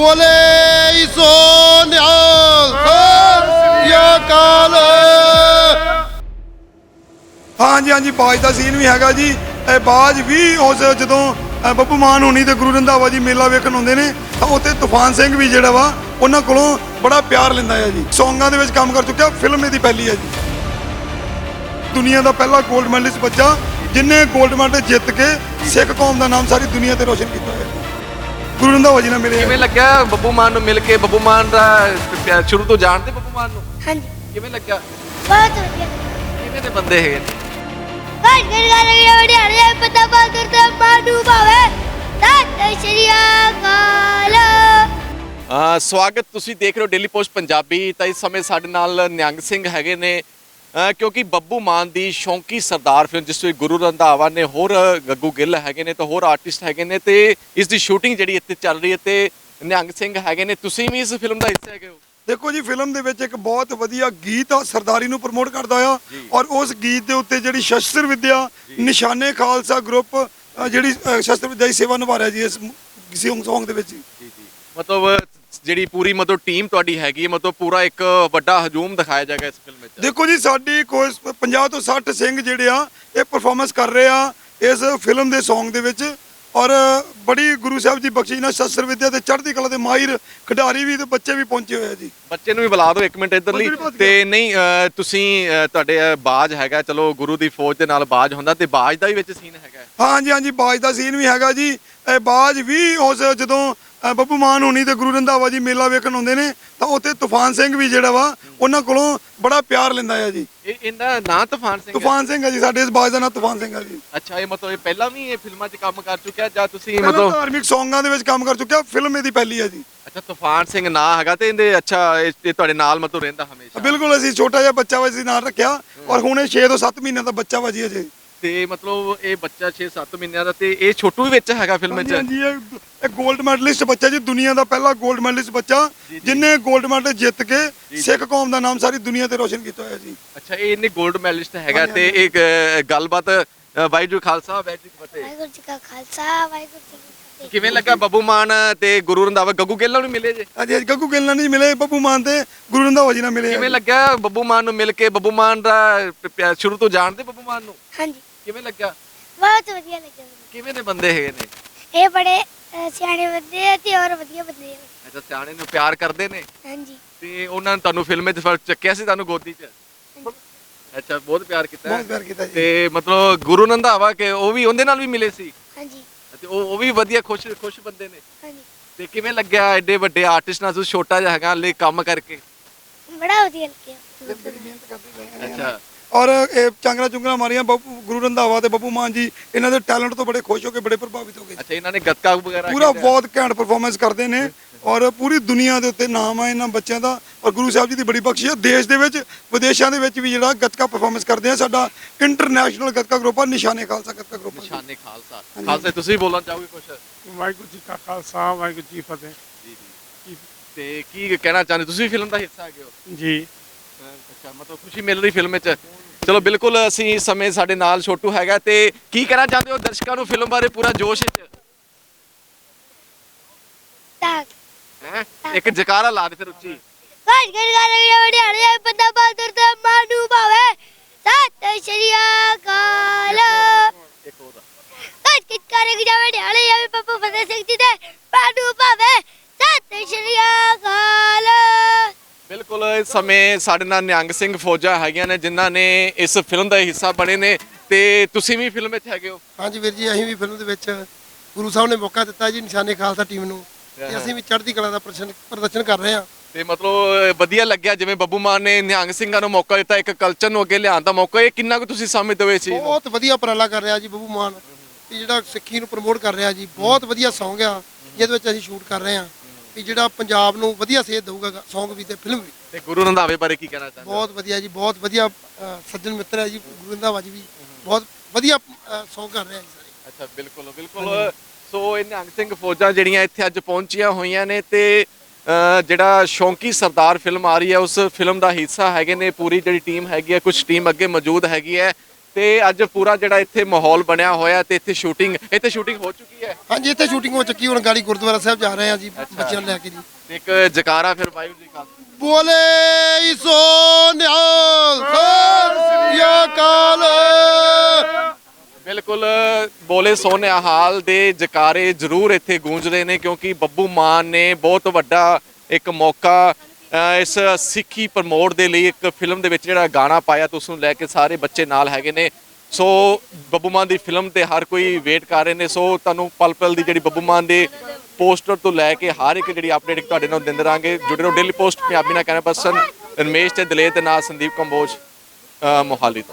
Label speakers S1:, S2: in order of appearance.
S1: ਬੋਲੇ ਸੋ ਨਿਹਾਲ ਸਤਿ ਸ੍ਰੀ ਅਕਾਲ।
S2: ਹਾਂਜੀ ਹਾਂਜੀ ਬਾਜ ਦਾ ਸੀਨ ਵੀ ਹੈਗਾ ਜੀ। ਇਹ ਬਾਜ ਵੀ ਉਸ ਜਦੋਂ ਬੱਬੂ ਮਾਨ ਹੋਣੀ ਤੇ ਗੁਰੂ ਰੰਧਾਵਾ ਜੀ ਮੇਲਾ ਵੇਖਣ ਆਉਂਦੇ ਨੇ ਤਾਂ ਉੱਥੇ ਤੂਫਾਨ ਸਿੰਘ ਵੀ ਜਿਹੜਾ ਵਾ ਉਹਨਾਂ ਕੋਲੋਂ ਬੜਾ ਪਿਆਰ ਲੈਂਦਾ ਹੈ ਜੀ। ਸੌਂਗਾਂ ਦੇ ਵਿੱਚ ਕੰਮ ਕਰ ਚੁੱਕਿਆ, ਫਿਲਮ ਇਹਦੀ ਪਹਿਲੀ ਹੈ ਜੀ। ਦੁਨੀਆ ਦਾ ਪਹਿਲਾ 골ਡ ਮੈਡਲਿਸਟ ਬੱਚਾ ਜਿਨੇ 골ਡ ਮੈਡਲ ਜਿੱਤ ਕੇ ਸਿੱਖ ਕੌਮ ਦਾ ਨਾਮ ਸਾਰੀ ਦੁਨੀਆ ਤੇ ਰੋਸ਼ਨ ਕੀਤਾ ਹੈ। ਗੁਰੂ ਰੰਧਾਵਾ ਜੀ ਨਾਲ ਮਿਲੇ।
S3: ਕਿਵੇਂ ਲੱਗਿਆ ਬੱਬੂ ਮਾਨ ਨੂੰ ਮਿਲ ਕੇ? ਬੱਬੂ ਮਾਨ ਦਾ ਸ਼ੁਰੂ ਤੋਂ ਜਾਣਦੇ ਬੱਬੂ ਮਾਨ ਨੂੰ?
S4: ਹਾਂਜੀ
S3: ਕਿਵੇਂ ਲੱਗਿਆ?
S4: ਬਹੁਤ ਵਧੀਆ।
S3: ਕਿਵੇਂ ਦੇ ਬੰਦੇ ਹੈਗੇ ਨੇ?
S4: ਘਰ ਘਰ ਗਾਣੇ ਵੜਿਆਲੇ ਪਤਾ ਬਾਦਰ ਤੇ ਮਾਨੂ ਭਾਵੇ ਸਤਿ ਸ਼੍ਰੀ ਅਕਾਲ।
S3: ਸਵਾਗਤ, ਤੁਸੀਂ ਦੇਖ ਰਹੇ ਹੋ ਡੇਲੀ ਪੋਸਟ ਪੰਜਾਬੀ। ਤਾਂ ਇਸ ਸਮੇਂ ਸਾਡੇ ਨਾਲ ਨਿਹੰਗ ਸਿੰਘ ਹੈਗੇ ਨੇ ਕਿਉਂਕਿ ਬੱਬੂ ਮਾਨ ਦੀ ਸ਼ੌਂਕੀ ਸਰਦਾਰ ਫਿਲਮ ਜਿਸ ਵਿੱਚ ਗੁਰੂ ਰੰਧਾਵਾ ਨੇ, ਹੋਰ ਗੱਗੂ ਗਿੱਲ ਹੈਗੇ ਨੇ ਤੇ ਹੋਰ ਆਰਟਿਸਟ ਹੈਗੇ ਨੇ ਤੇ ਇਸ ਦੀ ਸ਼ੂਟਿੰਗ ਜਿਹੜੀ ਇੱਥੇ ਚੱਲ ਰਹੀ ਹੈ ਤੇ ਨਿਹੰਗ ਸਿੰਘ ਹੈਗੇ ਨੇ। ਤੁਸੀਂ ਵੀ ਇਸ ਫਿਲਮ ਦਾ ਹਿੱਸਾ ਹੈਗੇ ਹੋ?
S2: ਦੇਖੋ ਜੀ, ਫਿਲਮ ਦੇ ਵਿੱਚ ਇੱਕ ਬਹੁਤ ਵਧੀਆ ਗੀਤ ਆ, ਸਰਦਾਰੀ ਨੂੰ ਪ੍ਰਮੋਟ ਕਰਦਾ ਆ ਔਰ ਉਸ ਗੀਤ ਦੇ ਉੱਤੇ ਜਿਹੜੀ ਸ਼ਸਤਰ ਵਿਦਿਆ ਨਿਸ਼ਾਨੇ ਖਾਲਸਾ ਗਰੁੱਪ ਜਿਹੜੀ ਸ਼ਸਤਰ ਵਿਦਿਆ ਦੀ ਸੇਵਾ ਨਿਭਾ ਰਿਹਾ ਜੀ ਇਸ ਸੌਂਗ ਦੇ ਵਿੱਚ।
S3: ਜੀ ਮਤਲਬ ਜਿਹੜੀ ਪੂਰੀ ਟੀਮ ਤੁਹਾਡੀ ਹੈਗੀ ਹੈ, ਪੂਰਾ ਇੱਕ ਵੱਡਾ ਹਜੂਮ ਦਿਖਾਇਆ ਜਾਏਗਾ ਇਸ ਫਿਲਮ ਵਿੱਚ।
S2: ਦੇਖੋ ਜੀ, ਸਾਡੀ ਕੋਈ 50 ਤੋਂ 60 ਸਿੰਘ ਜਿਹੜੇ ਆ ਇਹ ਪਰਫਾਰਮੈਂਸ ਕਰ ਰਹੇ ਆ ਇਸ ਫਿਲਮ ਦੇ ਸੌਂਗ ਦੇ ਵਿੱਚ ਔਰ ਬੜੀ ਗੁਰੂ ਸਾਹਿਬ ਜੀ ਬਖਸ਼ਿਸ਼ ਨਾਲ ਸ਼ਸਤਰ ਵਿਦਿਆ ਤੇ ਚੜ੍ਹਦੀ ਕਲਾ ਦੇ ਮਾਹਿਰ ਖਿਡਾਰੀ ਵੀ ਤੇ ਬੱਚੇ ਵੀ ਪਹੁੰਚੇ ਹੋਏ ਆ ਜੀ। ਬੱਚੇ
S3: ਨੂੰ ਵੀ ਬੁਲਾ ਦਿਓ ਇੱਕ ਮਿੰਟ ਇੱਧਰਲੀ। ਤੇ ਨਹੀਂ ਤੁਸੀਂ ਤੁਹਾਡੇ ਬਾਜ ਹੈਗਾ, ਚਲੋ ਗੁਰੂ ਦੀ ਫੌਜ ਦੇ ਨਾਲ ਬਾਜ ਹੁੰਦਾ ਤੇ ਬਾਜ ਦਾ ਵੀ ਵਿੱਚ ਸੀਨ ਹੈਗਾ?
S2: ਹਾਂਜੀ ਹਾਂਜੀ ਬਾਜ ਦਾ ਸੀਨ ਵੀ ਹੈਗਾ ਜੀ। ਇਹ ਬਾਜ ਵੀ ਉਸ ਜਦੋਂ ਬੱਬੂ ਮਾਨ ਹੋਣੀ ਤੇ ਗੁਰੂ ਰੰਧਾਵਾ ਜੀ ਮੇਲਾ ਵੇਖਣ ਆਉਂਦੇ ਨੇ ਤਾਂ ਉੱਥੇ ਤੂਫਾਨ ਸਿੰਘ ਵੀ ਜਿਹੜਾ ਵਾ ਉਹਨਾਂ ਕੋਲੋਂ ਬੜਾ ਪਿਆਰ ਲੈਂਦਾ ਹੈ ਜੀ।
S3: ਇਹਦਾ ਨਾਂ ਤੂਫਾਨ ਸਿੰਘ
S2: ਹੈ ਜੀ। ਸਾਡੇ ਇਸ ਬਾਜ ਦਾ ਨਾਂ ਤੂਫਾਨ ਸਿੰਘ ਹੈ ਜੀ।
S3: ਅੱਛਾ, ਇਹ ਇਹ ਪਹਿਲਾਂ ਵੀ ਇਹ ਫਿਲਮਾਂ 'ਚ ਕੰਮ ਕਰ ਚੁੱਕਿਆ ਜਾਂ ਤੁਸੀਂ
S2: ਧਾਰਮਿਕ ਸੌਂਗਾਂ ਦੇ ਵਿੱਚ ਕੰਮ ਕਰ ਚੁੱਕਿਆ, ਫਿਲਮ ਇਹਦੀ ਪਹਿਲੀ ਹੈ ਜੀ।
S3: ਅੱਛਾ, ਤੂਫਾਨ ਸਿੰਘ ਨਾਂ ਹੈਗਾ ਤੇ ਇਹਦੇ ਅੱਛਾ ਇਹ ਤੁਹਾਡੇ ਨਾਲ ਰਹਿੰਦਾ ਹਮੇਸ਼ਾ?
S2: ਬਿਲਕੁਲ, ਅਸੀਂ ਛੋਟਾ ਜਿਹਾ ਬੱਚਾ ਵਾ ਅਸੀਂ ਨਾਲ ਰੱਖਿਆ ਔਰ ਹੁਣ ਇਹ 6 ਤੋਂ 7 ਮਹੀਨਿਆਂ ਦਾ ਬੱਚਾ ਵਾ ਜੀ ਅਜੇ।
S3: ਤੇ ਇਹ ਬੱਚਾ 6-7 ਮਹੀਨਿਆਂ ਦਾ ਤੇ ਇਹ ਛੋਟੂ ਵੀ ਵਿੱਚ ਹੈਗਾ ਫਿਲਮ ਵਿੱਚ?
S2: ਹਾਂਜੀ, ਇਹ 골ਡ ਮੈਡਲਿਸਟ ਬੱਚਾ ਜੀ, ਦੁਨੀਆ ਦਾ ਪਹਿਲਾ 골ਡ ਮੈਡਲਿਸਟ ਬੱਚਾ ਜਿਨੇ 골ਡ ਮੈਡਲ ਜਿੱਤ ਕੇ ਸਿੱਖ ਕੌਮ ਦਾ ਨਾਮ ਸਾਰੀ ਦੁਨੀਆ ਤੇ ਰੋਸ਼ਨ ਕੀਤਾ ਹੋਇਆ ਜੀ।
S3: ਅੱਛਾ, ਇਹਨੇ 골ਡ ਮੈਡਲਿਸਟ ਹੈਗਾ ਤੇ ਇੱਕ ਗੱਲਬਾਤ ਵਾਹਿਗੁਰੂ ਖਾਲਸਾ ਵਾਹਿਗੁਰੂ ਜੀ ਫਤਿਹ।
S4: ਵਾਹਿਗੁਰੂ ਜੀ ਕਾ ਖਾਲਸਾ ਵਾਹਿਗੁਰੂ ਜੀ ਕੀ ਫਤਿਹ।
S3: ਕਿਵੇਂ ਲੱਗਾ ਬੱਬੂ ਮਾਨ ਤੇ ਗੁਰੂ ਰੰਧਾਵਾ? ਗੱਗੂ ਗਿੱਲ ਨਾਲ ਵੀ ਮਿਲੇ ਜੇ?
S2: ਹਾਂਜੀ, ਗੱਗੂ ਗਿੱਲ ਨਾਲ ਨਹੀਂ ਮਿਲੇ, ਬੱਬੂ ਮਾਨ ਤੇ ਗੁਰੂ ਰੰਧਾਵਾ ਜੀ ਨਾਲ ਮਿਲੇ।
S3: ਕਿਵੇਂ ਲੱਗਾ ਬੱਬੂ ਮਾਨ ਨੂੰ ਮਿਲ ਕੇ? ਬੱਬੂ ਮਾਨ ਦਾ ਸ਼ੁਰੂ ਤੋਂ ਜਾਣਦੇ ਬੱਬੂ ਮਾਨ ਨੂੰ?
S4: ਹਾਂਜੀ,
S3: ਕਿਵੇਂ ਲੱਗਾ?
S4: ਬਹੁਤ ਵਧੀਆ ਲੱਗਿਆ।
S3: ਕਿਵੇਂ ਦੇ ਬੰਦੇ ਹੈਗੇ ਨੇ?
S4: ਇਹ ਬੜੇ ਸਿਆਣੇ ਬੰਦੇ ਆ ਤੇ ਹੋਰ ਵਧੀਆ ਬੰਦੇ ਆ।
S3: ਅੱਛਾ, ਸਿਆਣੇ ਨੂੰ ਪਿਆਰ ਕਰਦੇ ਨੇ?
S4: ਹਾਂਜੀ।
S3: ਤੇ ਉਹਨਾਂ ਨੇ ਤੁਹਾਨੂੰ ਫਿਲਮ ਵਿੱਚ ਚੱਕਿਆ ਸੀ, ਤੁਹਾਨੂੰ ਗੋਦੀ 'ਚ? ਅੱਛਾ, ਬਹੁਤ ਪਿਆਰ ਕੀਤਾ।
S2: ਬਹੁਤ ਪਿਆਰ ਕੀਤਾ ਜੀ।
S3: ਤੇ ਮਤਲਬ ਗੁਰੂ ਰੰਧਾਵਾ ਕੇ ਉਹ ਵੀ ਉਹਦੇ ਨਾਲ ਵੀ ਮਿਲੇ ਸੀ?
S4: ਹਾਂਜੀ।
S3: ਤੇ ਉਹ ਵੀ ਵਧੀਆ ਖੁਸ਼ ਬੰਦੇ ਨੇ?
S4: ਹਾਂਜੀ।
S3: ਤੇ ਕਿਵੇਂ ਲੱਗਿਆ ਐਡੇ ਵੱਡੇ ਆਰਟਿਸਟ ਨਾਲ ਤੁਸੀਂ ਛੋਟਾ ਜਿਹਾ ਹੈਗਾ ਹਲੇ ਕੰਮ ਕਰਕੇ?
S4: ਬੜਾ ਵਧੀਆ ਲੱਗਿਆ।
S2: ਮਿਹਨਤ ਕਰਦੇ ਰਹੇ।
S3: ਅੱਛਾ।
S2: ਔਰ ਇਹ ਚਾਂਗਰਾ ਚੁੰਗਰਾ ਮਾਰੀਆਂ ਗੁਰੂ ਰੰਧਾਵਾ ਤੇ ਬੱਬੂ ਮਾਨ ਜੀ ਇਹਨਾਂ ਦੇ ਟੈਲੈਂਟ ਤੋਂ ਬੜੇ ਖੁਸ਼ ਹੋ ਕੇ ਬੜੇ ਪ੍ਰਭਾਵਿਤ ਹੋ ਗਏ।
S3: ਅੱਛਾ, ਇਹਨਾਂ ਨੇ ਗੱਤਕਾ ਵਗੈਰਾ
S2: ਪੂਰਾ ਬਹੁਤ ਘੈਂਟ ਪਰਫਾਰਮੈਂਸ ਕਰਦੇ ਨੇ ਔਰ ਪੂਰੀ ਦੁਨੀਆ ਦੇ ਉੱਤੇ ਨਾਮ ਹੈ ਇਹਨਾਂ ਬੱਚਿਆਂ ਦਾ ਔਰ ਗੁਰੂ ਸਾਹਿਬ ਜੀ ਦੀ ਬੜੀ ਬਖਸ਼ਿਸ਼ ਹੈ। ਦੇਸ਼ ਦੇ ਵਿੱਚ ਵਿਦੇਸ਼ਾਂ ਦੇ ਵਿੱਚ ਵੀ ਜਿਹੜਾ ਗੱਤਕਾ ਪਰਫਾਰਮੈਂਸ ਕਰਦੇ ਆ ਸਾਡਾ ਇੰਟਰਨੈਸ਼ਨਲ ਗੱਤਕਾ ਗਰੁੱਪ ਆ, ਨਿਸ਼ਾਨੇ ਖਾਲਸਾ ਗੱਤਕਾ ਗਰੁੱਪ।
S3: ਨਿਸ਼ਾਨੇ ਖਾਲਸਾ। ਖਾਲਸਾ ਤੁਸੀਂ ਬੋਲਣਾ ਚਾਹੋਗੇ ਕੁਝ?
S5: ਵਾਹਿਗੁਰੂ ਜੀ ਕਾ ਖਾਲਸਾ ਵਾਹਿਗੁਰੂ ਜੀ ਫਤਿਹ।
S3: ਜੀ। ਤੇ ਕੀ ਕਹਿਣਾ ਚਾਹੁੰਦੇ? ਤੁਸੀਂ ਫਿਲਮ ਦਾ ਹਿੱਸਾ ਹੈਗੇ ਹੋ
S5: ਜੀ?
S3: ਅੱਛਾ, ਮਤਲਬ ਖੁਸ਼ੀ ਮਿਲ ਰਹੀ ਫਿਲਮ ਵਿੱਚ? ਚਲੋ ਬਿਲਕੁਲ, ਅਸੀਂ ਇਸ ਸਮੇਂ ਸਾਡੇ ਨਾਲ ਛੋਟੂ ਹੈਗਾ ਤੇ ਕੀ ਕਹਿਣਾ ਚਾਹੁੰਦੇ ਹੋ ਦਰਸ਼ਕਾਂ ਨੂੰ ਫਿਲਮ ਬਾਰੇ ਪੂਰਾ ਜੋਸ਼ ਵਿੱਚ? ਇੱਕ ਜਕਾਰਾ ਲਾ ਦੇ ਫਿਰ ਉੱਚੀ।
S4: ਘਰ ਘਰ ਗਾਣੇ ਵੜਿਆਲੇ ਪਤਾ ਬਾਦਰ ਤੇ ਮਾਨੂ ਭਾਵੇ ਸਤਿ ਸ਼੍ਰੀ ਅਕਾਲ।
S3: ਇੱਕ ਹੋਰ
S4: ਘਰ ਘਰ ਗਾਣੇ ਵੜਿਆਲੇ ਪਪੂ ਫਤਿਹ ਸਿੰਘ ਜੀ ਦੇ ਮਾਨੂ ਭਾਵੇ ਸਤਿ ਸ਼੍ਰੀ ਅਕਾਲ।
S3: ਬਿਲਕੁਲ, ਇਸ ਸਮੇਂ ਸਾਡੇ ਨਾਲ ਨਿਹੰਗ ਸਿੰਘ ਫੌਜਾਂ ਹੈਗੀਆਂ ਨੇ ਜਿਨ੍ਹਾਂ ਨੇ ਇਸ ਫਿਲਮ ਦਾ ਹਿੱਸਾ ਬਣੇ ਨੇ ਤੇ ਤੁਸੀਂ ਵੀ ਫਿਲਮ ਵਿੱਚ ਹੈਗੇ ਹੋ?
S1: ਹਾਂਜੀ ਵੀਰ ਜੀ, ਅਸੀਂ ਵੀ ਫਿਲਮ ਦੇ ਵਿੱਚ ਗੁਰੂ ਸਾਹਿਬ ਨੇ ਮੌਕਾ ਦਿੱਤਾ ਜੀ ਨਿਸ਼ਾਨੇ ਖਾਲਸਾ ਟੀਮ ਨੂੰ ਤੇ ਅਸੀਂ ਵੀ ਚੜ੍ਹਦੀ ਕਲਾ ਦਾ ਪ੍ਰਦਰਸ਼ਨ ਕਰ ਰਹੇ ਹਾਂ।
S3: ਤੇ ਮਤਲਬ ਵਧੀਆ ਲੱਗਿਆ ਜਿਵੇਂ ਬੱਬੂ ਮਾਨ ਨੇ ਨਿਹੰਗ ਸਿੰਘਾਂ ਨੂੰ ਮੌਕਾ ਦਿੱਤਾ, ਇੱਕ ਕਲਚਰ ਨੂੰ ਅੱਗੇ ਲਿਆਉਣ ਦਾ ਮੌਕਾ। ਇਹ ਕਿੰਨਾ ਕੁ ਤੁਸੀਂ ਸਮਝਦੇ ਹੋ ਇਸ ਚੀਜ਼ ਨੂੰ?
S1: ਬਹੁਤ ਵਧੀਆ ਉਪਰਾਲਾ ਕਰ ਰਿਹਾ ਜੀ ਬੱਬੂ ਮਾਨ, ਜਿਹੜਾ ਸਿੱਖੀ ਨੂੰ ਪ੍ਰਮੋਟ ਕਰ ਰਿਹਾ ਜੀ। ਬਹੁਤ ਵਧੀਆ ਸੌਂਗ ਆ ਜਿਹਦੇ ਵਿੱਚ ਅਸੀਂ ਸ਼ੂਟ ਕਰ ਰਹੇ ਹਾਂ ਵੀ ਜਿਹੜਾ ਪੰਜਾਬ ਨੂੰ ਵਧੀਆ ਸੇਧ ਦੇਊਗਾ ਸੌਂਗ ਵੀ ਤੇ ਫਿਲਮ ਵੀ।
S3: ਤੇ ਗੁਰੂ ਰੰਧਾਵੇ ਬਾਰੇ ਕੀ ਕਹਿਣਾ ਚਾਹੁੰਦੇ?
S1: ਬਹੁਤ ਵਧੀਆ ਜੀ, ਬਹੁਤ ਵਧੀਆ ਸੱਜਣ ਮਿੱਤਰ ਹੈ ਜੀ ਗੁਰੂ ਰੰਧਾਵਾ ਜੀ ਵੀ ਬਹੁਤ ਵਧੀਆ ਸੌਂਗ ਕਰ ਰਿਹਾ ਜੀ ਸਾਰੇ।
S3: ਅੱਛਾ, ਬਿਲਕੁਲ। ਸੋ ਇਹ ਨਿਹੰਗ ਸਿੰਘ ਫੌਜਾਂ ਜਿਹੜੀਆਂ ਇੱਥੇ ਅੱਜ ਪਹੁੰਚੀਆਂ ਹੋਈਆਂ ਨੇ ਤੇ ਜਿਹੜਾ ਸ਼ੌਂਕੀ ਸਰਦਾਰ ਫਿਲਮ ਆ ਰਹੀ ਹੈ ਉਸ ਫਿਲਮ ਦਾ ਹਿੱਸਾ ਹੈਗੇ ਨੇ। ਪੂਰੀ ਜਿਹੜੀ ਟੀਮ ਹੈਗੀ ਹੈ, ਕੁਝ ਟੀਮ ਅੱਗੇ ਮੌਜੂਦ ਹੈਗੀ ਹੈ ਤੇ ਅੱਜ ਪੂਰਾ ਜਿਹੜਾ ਇੱਥੇ ਮਾਹੌਲ ਬਣਿਆ ਹੋਇਆ ਤੇ ਇੱਥੇ ਸ਼ੂਟਿੰਗ ਹੋ ਚੁੱਕੀ ਹੈ।
S1: ਹਾਂਜੀ ਇੱਥੇ ਸ਼ੂਟਿੰਗ ਹੋ ਚੁੱਕੀ, ਹੁਣ ਗਾੜੀ ਗੁਰਦੁਆਰਾ ਸਾਹਿਬ ਜਾ ਰਹੇ ਆ ਜੀ ਬੱਚਿਆਂ ਨੂੰ ਲੈ ਕੇ ਜੀ।
S3: ਤੇ ਇੱਕ ਜਕਾਰਾ ਫਿਰ ਵਾਹਿਗੁਰੂ ਜੀ ਕਾ
S1: ਬੋਲੇ ਸੋ ਨਿਹਾਲ ਸਤਿ ਸ੍ਰੀ ਅਕਾਲ।
S3: ਬਿਲਕੁਲ ਬੋਲੇ ਸੋਨਿਹਾਲ ਦੇ ਜਕਾਰੇ ਜ਼ਰੂਰ ਇੱਥੇ ਗੂੰਜ ਰਹੇ ਨੇ ਕਿਉਂਕਿ ਬੱਬੂ ਮਾਨ ਨੇ ਬਹੁਤ ਵੱਡਾ ਇੱਕ ਮੌਕਾ ਇਸ ਸਿੱਖੀ ਪ੍ਰਮੋਟ ਦੇ ਲਈ ਇੱਕ ਫਿਲਮ ਦੇ ਵਿੱਚ ਜਿਹੜਾ ਗਾਣਾ ਪਾਇਆ ਤੇ ਉਸ ਨੂੰ ਲੈ ਕੇ ਸਾਰੇ ਬੱਚੇ ਨਾਲ ਹੈਗੇ ਨੇ। ਸੋ ਬੱਬੂ ਮਾਨ ਦੀ ਫਿਲਮ ਤੇ ਹਰ ਕੋਈ ਵੇਟ ਕਰ ਰਹੇ ਨੇ। ਸੋ ਤੁਹਾਨੂੰ ਪਲ ਪਲ ਦੀ ਜਿਹੜੀ ਬੱਬੂ ਮਾਨ ਦੇ ਪੋਸਟਰ ਤੋਂ ਲੈ ਕੇ ਹਰ ਇੱਕ ਜਿਹੜੀ ਅਪਡੇਟ ਤੁਹਾਡੇ ਨਾਲ ਦਿੰਦੇ ਰਹਾਂਗੇ। ਜੁੜੇ ਰਹੋ ਡੇਲੀ ਪੋਸਟ ਪੰਜਾਬੀ ਨਾਲ। ਕੈਮਰਾ ਪਰਸਨ ਰਮੇਸ਼ ਤੇ ਦਲੇਰ ਦੇ ਨਾਲ ਸੰਦੀਪ ਕੰਬੋਜ ਮੋਹਾਲੀ ਤੋਂ।